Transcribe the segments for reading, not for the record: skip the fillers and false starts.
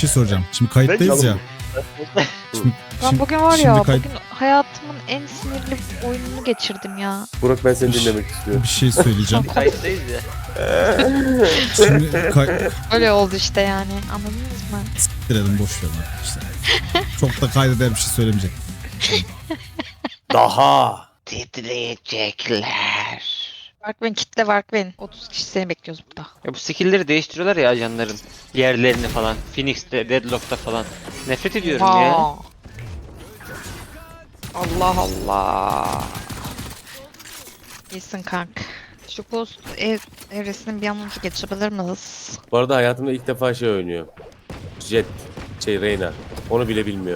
şey soracağım. Şimdi kayıttayız ya. Şimdi, Ben bugün var şimdi ya, kayıt- bugün hayatımın en sinirli oyununu geçirdim ya. Burak ben seni dinlemek istiyorum. bir şey söyleyeceğim. Kayıttayız ya. Şimdi Öyle oldu işte yani, anladınız mı? siktirelim, boş verin arkadaşlar. Çok da kaydeder bir şey söylemeyecek. Daha. Titriyecekler. Warkwin kitle Warkwin. 30 kişi seni bekliyoruz burada. Ya bu skill'leri değiştiriyorlar ya ajanların. Yerlerini falan. Phoenix'te, Deadlock'ta falan. Nefret ediyorum ya. Vaa. Allah Allah. İyisin kank. Şu Ghost evresinin bir an önce geçebilir miyiz? Bu arada hayatımda ilk defa şey oynuyor. Jet. Reyna. Onu bile bilmiyor.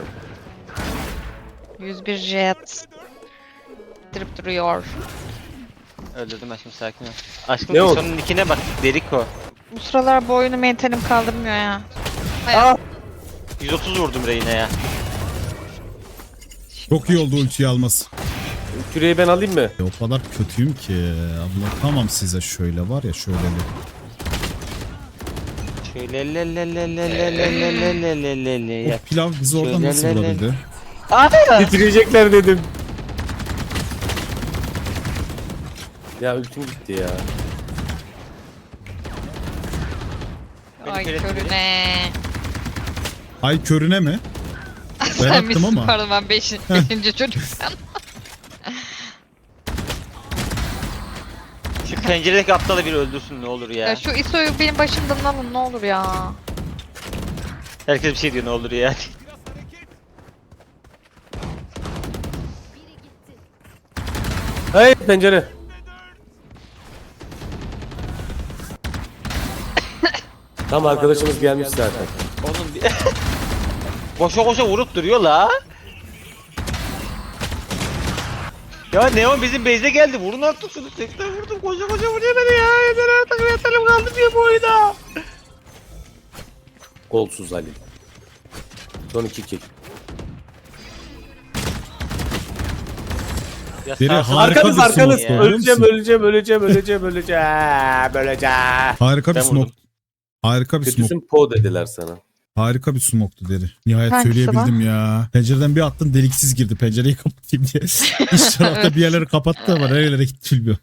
101 jet. Dirip duruyor. Öldürdüm aşkım, sakin ol. Aşkım Ne oldu? sonun nickine bak. Deriko. Bu sıralar bu oyunu mentalim kaldırmıyor ya. Aa! 130 vurdum Reyna'ya. Çok iyi oldu ultiyi alması. Küreği ben alayım mı? O kadar kötüyüm ki. Anlatamam size, şöyle var ya, şöyle. Şöyle le. O pilav bizi oradan Şöyle nasıl vurabildi? Bitirecekler dedim. Ya ultim gitti ya. Ay kere körüne. Ay körüne mi? Ben Sen attım misin? ama. Pardon, ben 5. çocuk sen. Şu penceredeki aptalı bir öldürsün ne olur ya. Ya şu ISO'yu benim başımdan alın ne olur ya. Herkes bir şey diyor ne olur ya. Hey pencere. Tam arkadaşımız gelmiş zaten. Oğlum bir... koşa koşa vurup duruyor la. Ya Neon bizim base'e geldi. Vurun artık şunu. 80 vurdum. Koşa koşa vuruyor beni ya. Yeter artık. Yeterim kaldı diye bu oyuna. Golsuz Ali. Son 2 kill. Ya Biri sağ- harika Arkanız bir arkanız. smoke, biliyor musun? Öleceğim. Harika bir Ben smoke. vurdum. Harika bir smoke. Kötüsün po dediler sana. Harika bir smoke'tu deri. Nihayet Hangisi söyleyebildim ya. Pencereden bir attın, deliksiz girdi. Pencereyi kapatayım diye. İç tarafta bir yerleri kapattı ama nerelere gitti bilmiyorum.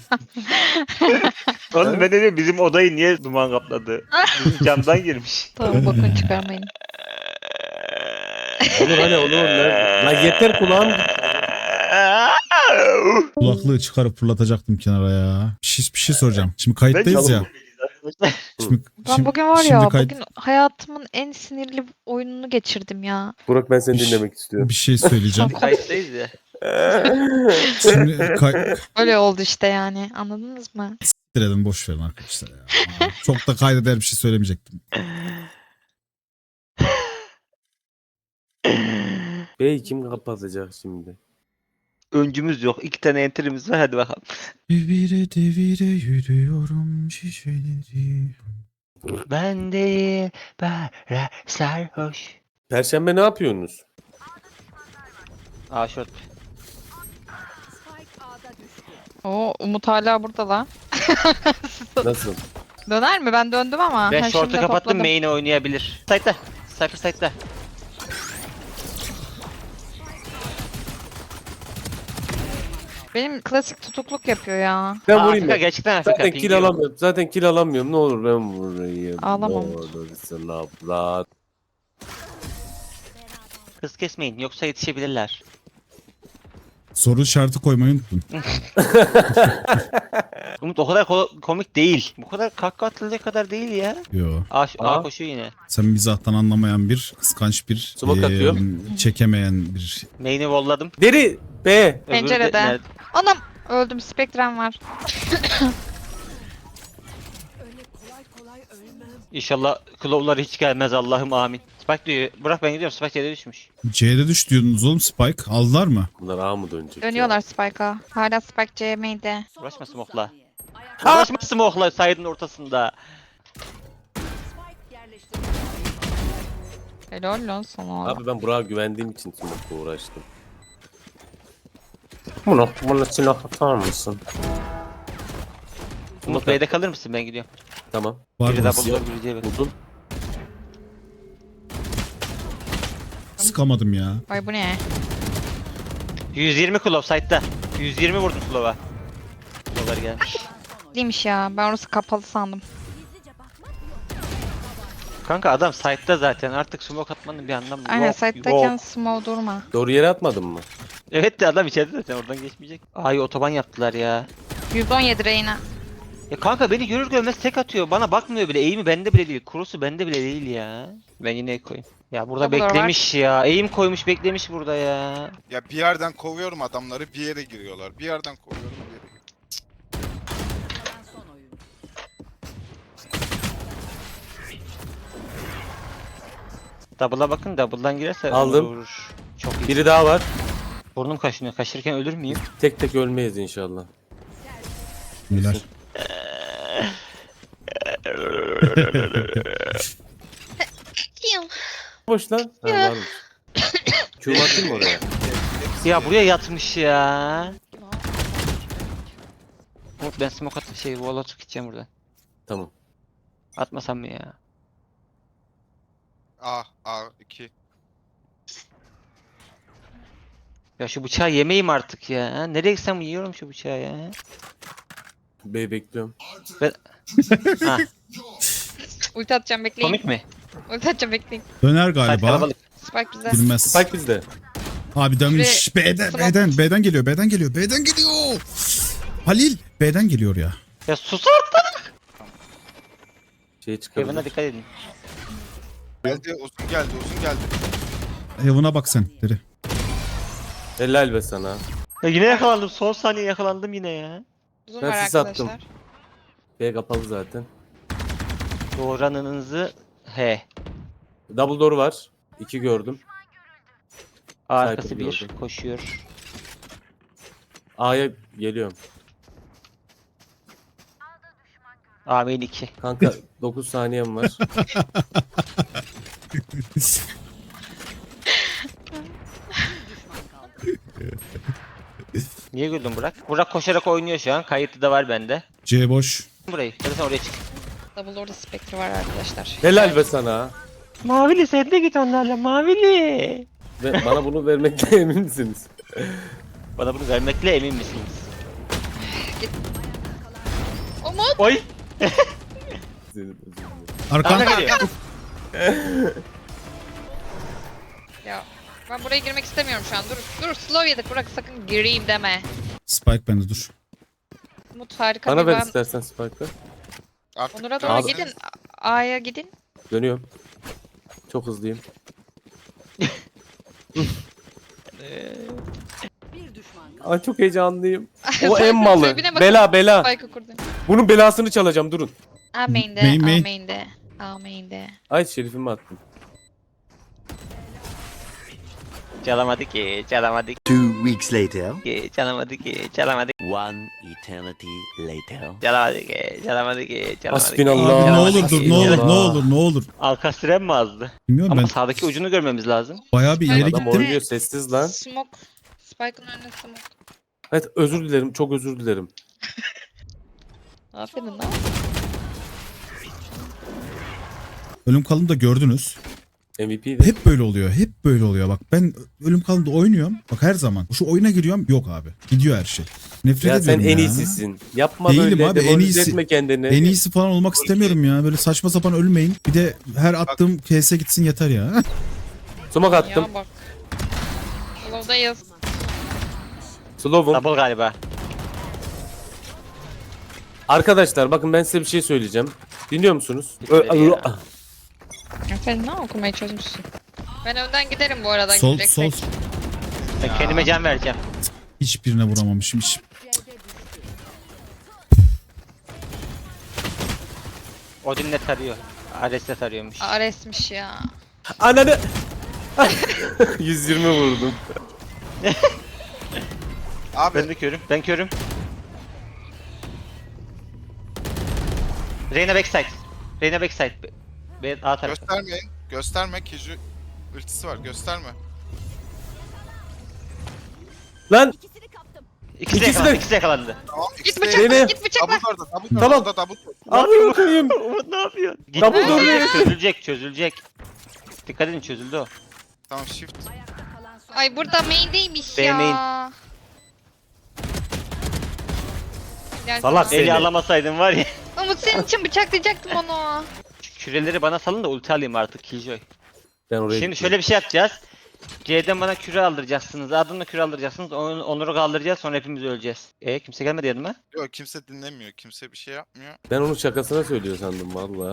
Oğlum ben dedim bizim odayı niye duman kapladı? Bizim camdan girmiş. Tamam, bakın çıkarmayın. Olur hani olur. Lan yeter kulağım. Kulaklığı çıkarıp fırlatacaktım kenara ya. Bir şey soracağım. Şimdi kayıttayız ya. Şimdi, Ben bugün var şimdi ya, kayıt- bugün hayatımın en sinirli oyununu geçirdim ya. Burak ben seni dinlemek istiyorum. bir şey söyleyeceğim. Kayıttayız ya. Şimdi Öyle oldu işte yani, anladınız mı? siktirelim, boş verin arkadaşlar ya. Çok da kaydeder bir şey söylemeyecektim. Bey kim kapatacak şimdi? Öncümüz yok. 2 tane enterimiz var. Hadi bakalım. Devire devire yürüyorum şişeleri. Ben değil. Bara sarhoş. Perşembe ne yapıyorsunuz? Aa short. Oo, Umut hala burada lan. Nasıl? Döner mi? Ben döndüm ama. Ben Ha, short'u şimdi kapattım. topladım. Main'e oynayabilir. Side'da. Cypher side'da. Benim klasik tutukluk yapıyor ya. Ben Aa, vurayım Afrika, mı? gerçekten Afrika. Zaten Ping kill yok. alamıyorum. Zaten kill alamıyorum. Ne olur ben vurayım. Ağlama. Ne olursun abla. Hız kesmeyin yoksa yetişebilirler. Soru işareti koymayı unuttum. Umut o kadar komik değil. Bu kadar kahkaha atılacak kadar değil ya. Yo. A koşuyor yine. Sen mizahtan anlamayan bir, kıskanç bir, Smoke atıyor. çekemeyen bir. Main'i volladım. Deri B. Öbürü de Pencerede. nerede? Anam, öldüm, spektrum var. İnşallah Claw'lar hiç gelmez Allah'ım amin. Spike diyor. Bırak ben gidiyorum. Spike yere düşmüş. C'de düş diyordunuz oğlum, Spike. Aldılar mı? Bunlar A mı dönecek? Dönüyorlar Spike'a. Hala Spike CM'de. Uğraşma smoke'la. Uğraşma smoke'la side'ın ortasında. Helal lan sana. Abi ben Burak'a güvendiğim için smoke'la uğraştım. Bana silah atar mısın? Umut Bey'de kalır mısın? Ben gidiyorum. Tamou Var Biri mı? double door, biri diğeri. Buldun. sıkamadım ya. Ay bu ne? 120 Klov site'da. 120 vurdum Klov'a. Klov'lar gelmiş. Değilmiş ya. Ben orası kapalı sandım. Kanka adam site'da zaten. Artık smoke atmanın bir anlamı yok. Aynen site'dayken Yok. smoke durma. Doğru yere atmadın mı? Evet de adam içeride zaten oradan geçmeyecek. Ay otoban yaptılar ya. 117 Reyna. Ya kanka beni görür görmez tek atıyor. Bana bakmıyor bile. Eğimi bende bile değil. Kurusu bende bile değil ya. Ben yine koyayım. Ya burada Double door beklemiş ya. Eğim koymuş beklemiş burada ya. Ya bir yerden kovuyorum adamları, bir yere giriyorlar. Bir yerden kovuyorum, bir yere giriyorlar. Double'a bakın. Double'dan girerse Aldım. vurur. Çok iyi. Biri daha var. Burnum kaşınıyor. Kaşırken ölür müyüm? Tek tek ölmeyiz inşallah. Beyler. Boş lan. Ha, varmış. Q'mu atayım mı oraya? Ya buraya yatmış ya. Umut ben smoke atıp wall atıp gideceğim buradan. Tamam. Atmasam mı ya? A2. Ya şu bıçağı yemeyeyim artık ya. Nereye gitsem yiyorum şu bıçağı ya. B bekliyorum. Ha, Ulti atacağım bekleyin. komik mi? Ulti atacağım bekleyin. Döner Site galiba. kalabalık. Spike bize. Bilmez. Spike bizde. Abi dönmüş. B'den, Smoke. B'den geliyor, B'den geliyor, B'den geliyor. Halil, B'den geliyor ya. Ya sus artık. Şey çıkabilir. Heaven'a dikkat edin. Geldi, uzun geldi, uzun geldi. Heaven'a bak sen. Deri. Helal be sana. Ya yine yakalandım. Son saniye yakalandım yine ya. Uzun Ben var sis attım. arkadaşlar. B kapalı zaten. Doğranınızı he. Double door var. 2 gördüm. Arkası Sniper bir gördüm. koşuyor. A'ya geliyorum. Amin 2. Kanka 9 saniyem var. Niye güldün Burak? Burak koşarak oynuyor şu an. Kayıtlı da var bende. C boş. Burayı. Hadi sen oraya çık. Double orada Spectre var arkadaşlar. Helal be sana. Mavili sen de git onlarla Mavili. Ve bana bunu vermekle emin misiniz? Bana bunu vermekle emin misiniz? Umut! Oy. Senin özür dilerim. Arkan. Bana geliyor. Ya ben buraya girmek istemiyorum şu an. Dur slow yedik. Bırak sakın gireyim deme. Spike bende dur. Umut harika Bana bir ver ben. istersen Spike'ı. Artık Onur'a doğru Abi. gidin. A'ya gidin. Dönüyorum. Çok hızlıyım. Ay çok heyecanlıyım. O en malı. Tribüne bakın. Bela bela. Spike'ı kurdum. Bunun belasını çalacağım durun. A main'de, Main, A main. main'de. A main'de. Ay şerifimi attım. Çalamadı ki, çalamadı 2 weeks later. ki, çalamadı ki, çalamadı ki, One eternity later. çalamadı ki, çalamadı ki, çalamadı ki. Hasbinallah. Abi ne olur Çalamadı dur, ki. ne olur, ne Allah. olur, ne olur. Alkastrem mi azdı? Bilmiyorum Ama ben sağdaki ucunu görmemiz lazım. bayağı bir ileri Adam Adam gittim. oynuyor sessiz lan. Smoke. Spike'ın önüne smoke. Evet özür dilerim çok özür dilerim. Aferin lan. Ölüm kalım da gördünüz. MVP'di. Hep böyle oluyor. Hep böyle oluyor. Bak ben ölüm kalımda oynuyorum. Bak her zaman. Şu oyuna giriyorum. Yok abi. Gidiyor her şey. Nefret Ya sen ediyorum en ya. iyisisin. Yapma Değilim böyle. abi, en demoralize iyisi. etme kendini. En iyisi falan olmak istemiyorum ya. Böyle saçma sapan ölmeyin. Bir de her attığım KS gitsin yeter ya. Sumak attım. Ya bak. Slow'dayız. Slow'um. Double galiba. Arkadaşlar bakın ben size bir şey söyleyeceğim. Dinliyor musunuz? Ya. Aferin lan okumayı çözmüşsün. Ben önden giderim bu arada. Sol, gireceksek. sol. Ben kendime can vereceğim. Hiçbirine vuramamışım. Hiç. Odin net arıyor. Ares net arıyormuş. Ares'miş ya. Ananı. 120 vurdum. Abi Ben de körüm. Ben körüm. Reyna backside. Reyna backside. B A tarafı. göstermeyin. Gösterme. Kiju ultisi var. Gösterme. Lan İkisi de İkisi de- yakalandı. İkisi de yakalandı. Tamam. Git ikisi de- bıçakla, Beni- git bıçakla. Double door'da, double Tamam. door'da, double door. amına koyayım. Umut ne yapıyorsun? Double door. Çözülecek, çözülecek. Dikkat edin çözüldü o. Tamam shift. Ay burada main'deymiş B ya. main. Gel Salak sana. Seni. Eli alamasaydın var ya. Umut senin için bıçaklayacaktım onu. Küreleri bana salın da ulti alayım artık Killjoy. Ben oraya Şimdi gittim. şöyle bir şey yapacağız. C'den bana küre aldıracaksınız. A'dan da küre aldıracaksınız. Onur'u kaldıracağız sonra hepimiz öleceğiz. Kimse gelmedi yanıma. Yok kimse dinlemiyor. Kimse bir şey yapmıyor. Ben onun şakasına söylüyor sandım valla.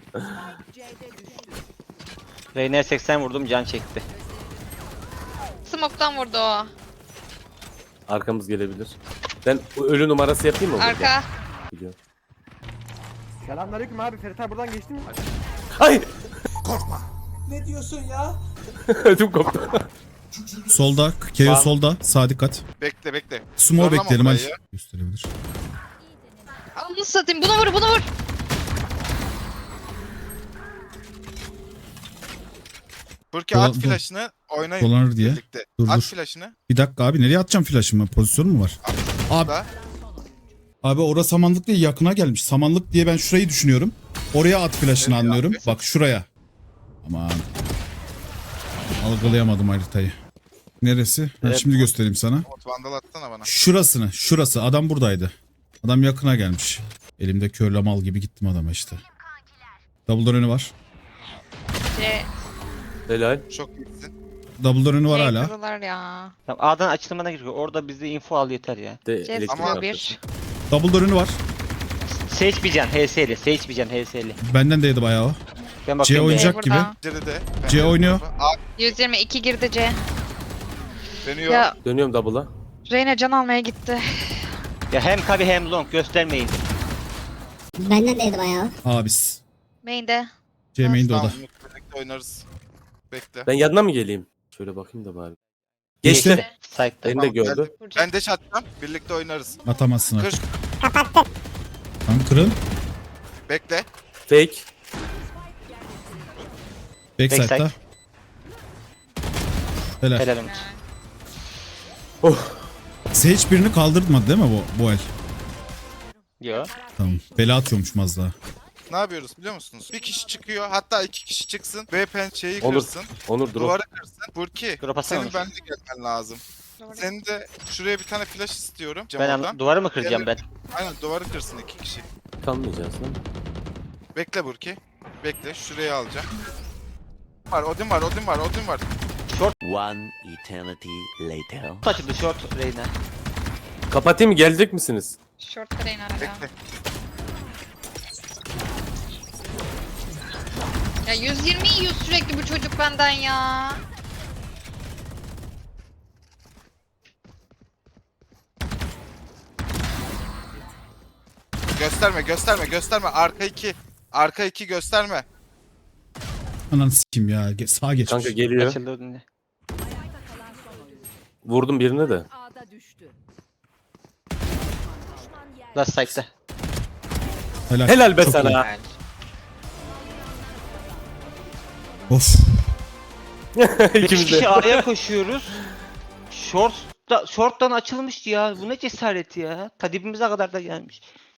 Reyner 80 vurdum can çekti. Smoke'tan vurdu o. Arkamız gelebilir. Ben bu ölü numarası yapayım mı? burada? Arka. Biliyorum. Selamünaleyküm abi. Ferit abi buradan geçti mi? Ay! Korkma. Ne diyorsun ya? Ödüm koptu. Solda. Keo Tamam. solda. Sağ dikkat. Bekle. Sumo Zorlama bekleyelim hadi. burayı ya. Gösterebilir. Onu satayım. Bunu vur, bunu vur. Burki at Dolan- flash'ını oynayın Dolanır diye. birlikte. Dur, At dur. flash'ını. Bir dakika abi nereye atacağım flash'ımı? Pozisyon mu var? Abi, Da. abi orası samanlık değil yakına gelmiş. Samanlık diye ben şurayı düşünüyorum. Oraya at flash'ını Evet anlıyorum. abi. Bak şuraya. Aman. Algılayamadım haritayı. Neresi? Ha, Evet. şimdi göstereyim sana. Umut vandal atsana bana. Şurası. Adam buradaydı. Adam yakına gelmiş. Elimde körle mal gibi gittim adama işte. Double'dan önü var. C. Helal. Çok iyisin. Double'dan önü var C hala. kırılar ya. Tamam, A'dan açılmana gerek yok. Orada bize info al yeter ya. De C elektrik Ama- sıkıyor arkası. bir. Double'dan önü var. Sage bir can HS'li. Sage bir can HS'li. Benden de yedi bayağı o. Ben bakıyorum. oynayacak. B'ye. gibi. Burada. Geride. C oynuyor. 122 girdi C. Dönüyor. Ya Dönüyorum double'a. Reyna can almaya gitti. Ya hem Kabi hem Long göstermeyin. Benden de yedi bayağı. Abis. Main'de. C main'de o Tamam da. Umut birlikte oynarız. Bekle. Ben yanına mı geleyim? Şöyle bakayım da bari. Geçti. Geçti. Site'da. Beni de gördü. geldim. Vuracak. Ben dash atacağım. Birlikte oynarız. Atamazsın Kır. artık. Tamam kırın. Bekle. Fake. Backside'da. Backside. Helal. Helal Umut. Sage birini kaldırmadı değil mi bu el? Yo. Tamam. Bela atıyormuş az daha. Ne yapıyoruz biliyor musunuz? Bir kişi çıkıyor. Hatta iki kişi çıksın. Ve pençeyi Olur. kırsın. Onur drop. Duvarı kırsın. Burki. Drop atsana Senin Onur. benimle gelmen lazım. Senin de şuraya bir tane flash istiyorum. Ben Camdan. duvarı mı kıracağım ben? Aynen duvarı kırsın iki kişi. Kalmayacağız lan. Bekle Burki. Bekle şuraya alacağım. Odin var. One eternity later. Açıldı short Reyner. Kapatayım mı? Gelecek misiniz? Short Reyna hala. Bekle. Ya 120 yiyor sürekli bu çocuk benden ya. Gösterme. Arka iki gösterme. Ananı sikeyim ya. Sağa geçmiş. Kanka geliyor. Açıldı o dinle. Vurdum birine de. Last site'da. Helal. Helal be Çok sana. iyi. Of. İki İkimiz kişi de. A'ya koşuyoruz. Short'tan açılmış ya. Bu ne cesaret ya. Ta dibimize kadar da gelmiş.